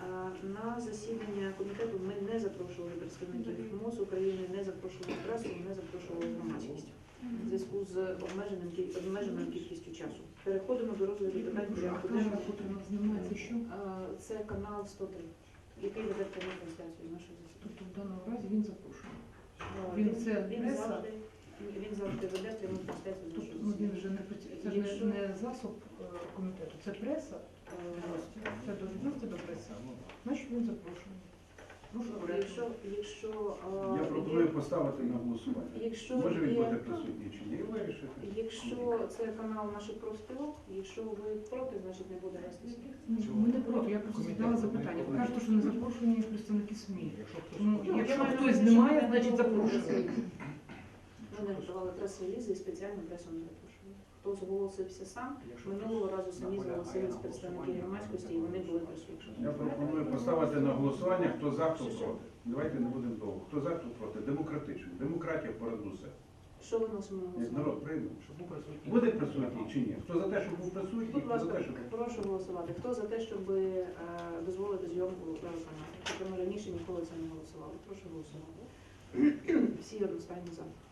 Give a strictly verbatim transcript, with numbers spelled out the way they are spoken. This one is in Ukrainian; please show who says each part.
Speaker 1: На засідання комітету ми не запрошували представників МОЗ України, не запрошували пресу, не запрошували громадськість в зв'язку з обмеженим кіль- обмеженою кількістю часу. Переходимо до розгляду питань порядку денного.
Speaker 2: Знімається що?
Speaker 1: Е, Це канал сто три, який веде пряму трансляцію з нашого засідання.
Speaker 2: Тобто в даному разі він запрошений.
Speaker 1: Е,
Speaker 2: Він це
Speaker 1: він
Speaker 2: преса?
Speaker 1: завжди, він завжди веде пряму трансляцію з
Speaker 2: Тобто
Speaker 1: нашого
Speaker 2: ну, він
Speaker 1: засідання.
Speaker 2: вже не працює. Це ж
Speaker 1: Якщо-
Speaker 2: не, не засоб е, комітету, це преса.
Speaker 1: Е,
Speaker 2: Це до відноситься до преси. Значить він запрошений. Прошу порядку.
Speaker 1: Якщо, якщо, е,
Speaker 3: Я
Speaker 1: є-
Speaker 3: пропоную поставити на голосування.
Speaker 1: якщо
Speaker 3: Може він
Speaker 1: є-
Speaker 3: буде присутній чи ні? Вирішити.
Speaker 1: Якщо це канал наших профспілок, якщо ви проти, значить не буде вестися.
Speaker 2: Ні, Ми не проти, я просто задала запитання. Ви кажете, що не запрошені представники СМІ. Ну,
Speaker 1: Ну,
Speaker 2: якщо
Speaker 1: я маю
Speaker 2: хтось
Speaker 1: на увазі,
Speaker 2: немає,
Speaker 1: що
Speaker 2: значить
Speaker 1: ми
Speaker 2: запрошений.
Speaker 1: Ми не готували прес-релізи і спеціальну пресу не запрошували. Хто зголосився сам, минулого разу самі зголосились представники громадськості і вони були присутні.
Speaker 3: Я пропоную поставити на голосування, хто за, хто проти. Давайте не будемо довго. Хто за, хто проти. Демократично. Демократія понад усе.
Speaker 1: Що виносимо на
Speaker 3: Як
Speaker 1: голосування?
Speaker 3: народ прийме. Буде присутній чи ні? Хто за те, щоб був присутній,
Speaker 1: Будь
Speaker 3: хто за
Speaker 1: ласка,
Speaker 3: те, щоб...
Speaker 1: прошу голосувати. Хто за те, щоб е, дозволити зйомку телеканалу? Тобто ми раніше ніколи це не голосували. Прошу голосувати. Всі одностайно за.